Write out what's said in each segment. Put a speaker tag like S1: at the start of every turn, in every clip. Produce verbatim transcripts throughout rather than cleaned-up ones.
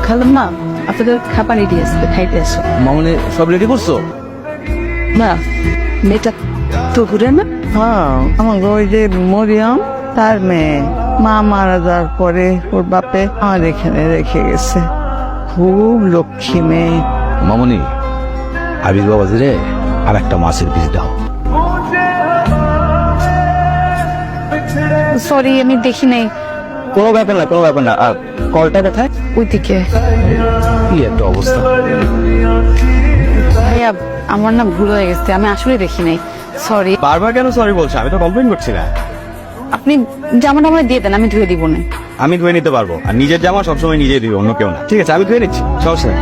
S1: খালাম না আপনাদের খাবার রেডি আছে, খাইতে আসো।
S2: মামনি সব রেডি করছো?
S1: না, মেয়েটা তো ঘুরে না।
S3: হ্যাঁ, আমার ওই যে মরিয়ম তার মেয়ে, মা মারা যাওয়ার পরে ওর বাপে আমার এখানে রেখে গেছে। খুব লক্ষ্মী মেয়ে।
S2: মামনি আবির বাবাজি রে আর একটা মাছের পিস দাও।
S1: সরি, আমি দেখি নাই।
S2: কোনো ব্যাপার না, কোনো ব্যাপার না। আর কলটা কোথায়?
S1: ওইদিকে।
S2: কি একটা অবস্থা।
S1: ভাইয়া আমার না ভুল হয়ে গেছে, আমি আসলে দেখি নাই। সরি।
S2: বারবার কেন সরি বলছো? আমি তো কমপ্লেন করছি না।
S1: আপনি জামাটা আমার দিয়ে দেন, আমি ধুয়ে দিব না।
S2: আমি ধুয়ে নিতে পারবো, আর নিজের জামা সবসময় নিজেই দিই, অন্য কেউ না। ঠিক আছে, আমি ধুয়ে নিচ্ছি, সমস্যা নেই।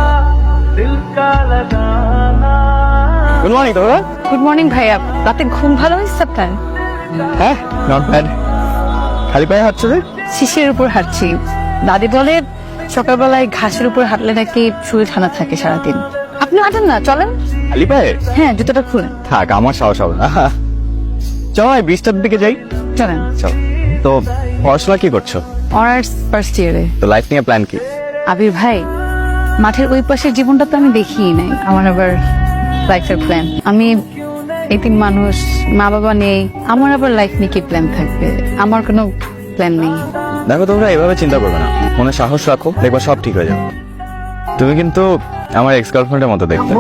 S2: গুড মর্নিং তোরা।
S1: গুড মর্নিং ভাইয়া, রাতে ঘুম ভালো হয়েছে আপনার?
S2: হ্যাঁ, নট ব্যাড। খালি পায়ে হাঁটছো রে?
S1: শিশের উপর হাঁটছি। দাদি বলে সকালবেলায় ঘাসের উপর হাঁটলে নাকি শরীর ঠান্ডা থাকে সারাদিন। আপনি হাঁটেন না, চলেন।
S2: খালি পায়ে?
S1: হ্যাঁ, জুতোটা খুলেন।
S2: থাক, আমার সাহস হবে না। চল ব্রিজটার দিকে যাই।
S1: চলেন।
S2: চল। তো পড়াশোনা কি করছো?
S1: অনার্স ফার্স্ট ইয়ারে।
S2: তো লাইফ নিয়ে প্ল্যান কি?
S1: আবির ভাই, মাঠের ওই পাশের জীবনটা তো আমি দেখিই নাই। আমার আবার লাইফের প্ল্যান। আমি এতিম মানুষ, মা বাবা নেই, আমার আবার লাইফ নিয়ে কি প্ল্যান থাকবে? আমার কোনো প্ল্যান নেই।
S2: দেখো, তোমরা এভাবে চিন্তা করবে না, মনে সাহস রাখো, দেখবা সব ঠিক হয়ে যাবে। তুমি কিন্তু আমার এক্স গার্লফ্রেন্ডের মতো দেখতে।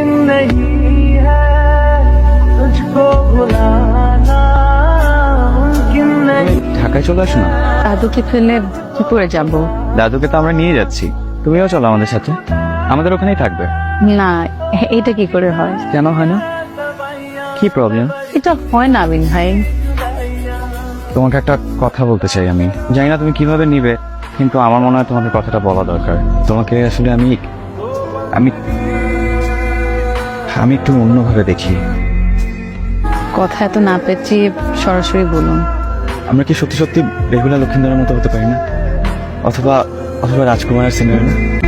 S2: ঢাকায় চলে আসো না।
S1: দাদুকে ফেলে কি করে যাব?
S2: দাদুকে তো আমরা নিয়ে যাচ্ছি, তুমিও চলো আমাদের সাথে, আমাদের ওখানেই থাকবে।
S1: না, এটা কি করে হয়?
S2: কেন হয় না? কি প্রবলেম?
S1: এটা হয় না আবির ভাই।
S2: তোমাকে একটা কথা বলতে চাই আমি, জানি না তুমি কিভাবে নিবে, কিন্তু আমার মনে হয় তোমাকে কথাটা বলা দরকার। তোমাকে আসলে আমি আমি আমি একটু অন্যভাবে দেখি।
S1: কথা এত না পেঁচিয়ে সরাসরি বলুন।
S2: আমরা কি সত্যি সত্যি রেগুলার লক্ষিন্দরের মতো হতে পারি না? অথবা অথবা রাজকুমারের সিনেমা?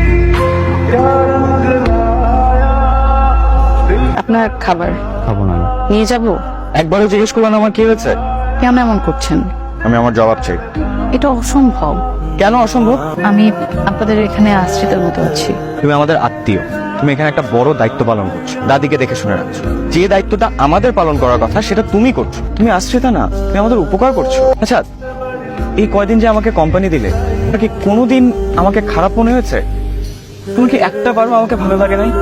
S1: আপনার খাবার
S2: খাবো না।
S1: নিয়ে যাব?
S2: একবারও জিজ্ঞেস করলাম আমার কি হয়েছে?
S1: কেন এমন করছেন?
S2: আমি আমার জবাব চাই।
S1: এটা অসম্ভব।
S2: কেন অসম্ভব?
S1: আমি আপনাদের এখানে আশ্রিতের মতো আছি।
S2: তুমি আমাদের আত্মীয়, তুমি এখানে একটা বড় দায়িত্ব পালন করছো, দাদিকে দেখে শুনে রাখছো। যে দায়িত্বটা আমাদের পালন করার কথা সেটা তুমি করছো। তুমি আশ্রিতা না, তুমি আমাদের উপকার করছো। আচ্ছা, এই কয়দিন যে আমাকে কোম্পানি দিলে, এটা কি কোনোদিন আমাকে খারাপ মনে হয়েছে? তুমি কি একটা বারও আমাকে ভালো লাগে নাই?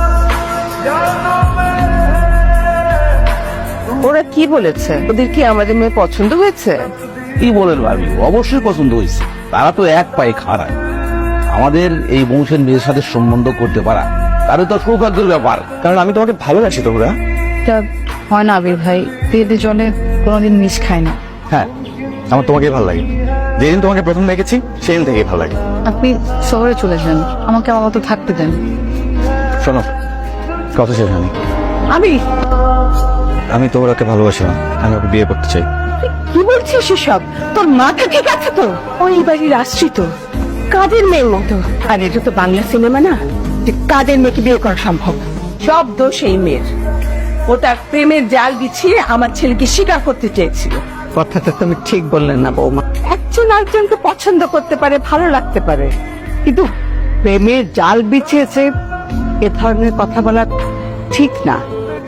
S3: ওরা কি বলেছে? ওদের কি আমাদের মেয়ে পছন্দ হয়েছে?
S4: কি বলেন ভাবি, অবশ্যই পছন্দ হয়েছে। তারা তো এক পায়ে খাড়া। আমাদের এই বংশের মেয়ের সাথে সম্বন্ধ করতে পারা তাহলে তো সৌভাগ্যের ব্যাপার।
S2: কারণ আমি তোমাকে ভালোবাসি তো ওরা।
S1: এটা হয় না আবির ভাই, পেটে জলে কোনোদিন মিশ খায় না।
S2: হ্যাঁ, আমার তোমাকেই ভালো লাগে। যেদিন তোমাকে প্রথম দেখেছি সেদিন থেকেই ভালো লাগে।
S1: আপনি শহরে চলে যান, আমাকে আমার মতো থাকতে দেন।
S2: শোনো, কথা শেষ হয়নি।
S3: আমি
S2: আমি তো ওরাকে ভালোবাসি না, আমি ওকে বিয়ে করতে চাই।
S3: কি বলছিস এসব? তোর মাথা ঠিক আছে তো? ওই বাড়ির আশ্রিত কাদের মেয়ের মতো। আর এটা তো বাংলা সিনেমা না যে কাদের মেয়েকে বিয়ে করা সম্ভব। সব দোষ এই মেয়ের। ও তার প্রেমের জাল বিছিয়ে আমার ছেলেকে স্বীকার করতে চেয়েছিল। কথাটা তুমি ঠিক বললে না বৌমা। একজন আরেকজনকে পছন্দ করতে পারে, ভালো লাগতে পারে, কিন্তু প্রেমের জাল বিছিয়েছে এ ধরনের কথা বলা ঠিক না।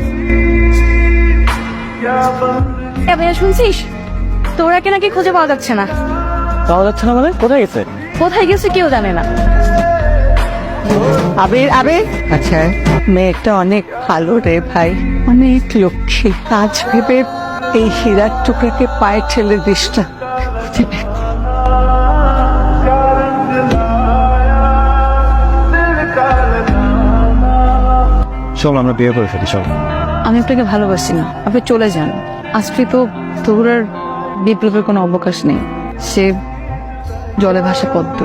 S1: ভাইয়া শুনছিস, তোরাকে নাকি খুঁজে পাওয়া যাচ্ছে না।
S2: পাওয়া যাচ্ছে না মানে? কোথায় গেছে?
S1: কোথায় গেছে কেউ জানে না।
S3: আবির আবির আচ্ছা, মেয়েটা অনেক ভালো রে ভাই, অনেক লক্ষ্মী। আজ ভেবে এই হীরার টুকরাকে পায়ে ঠেলে দিস না।
S2: চল আমরা বিয়ে করে ফেলি, চল।
S1: আমি আপনাকে ভালোবাসি না, আপনি চলে যান। আশ্রিত তহুরার বিপ্লবের কোনো অবকাশ নেই, সে জলে ভাসা পদ্ম।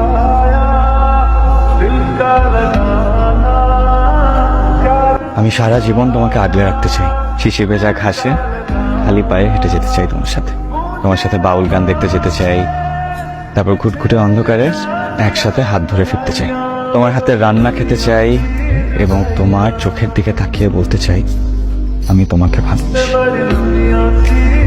S2: আমি সারা জীবন তোমাকে আগলে রাখতে চাই। শিশি ভেজা ঘাসে খালি পায়ে হেঁটে যেতে চাই তোমার সাথে। তোমার সাথে বাউল গান দেখতে যেতে চাই, তারপর ঘুটঘুটে অন্ধকারে একসাথে হাত ধরে ফিরতে চাই। তোমার হাতে রান্না খেতে চাই এবং তোমার চোখের দিকে তাকিয়ে বলতে চাই আমি তোমাকে ভালোবাসি।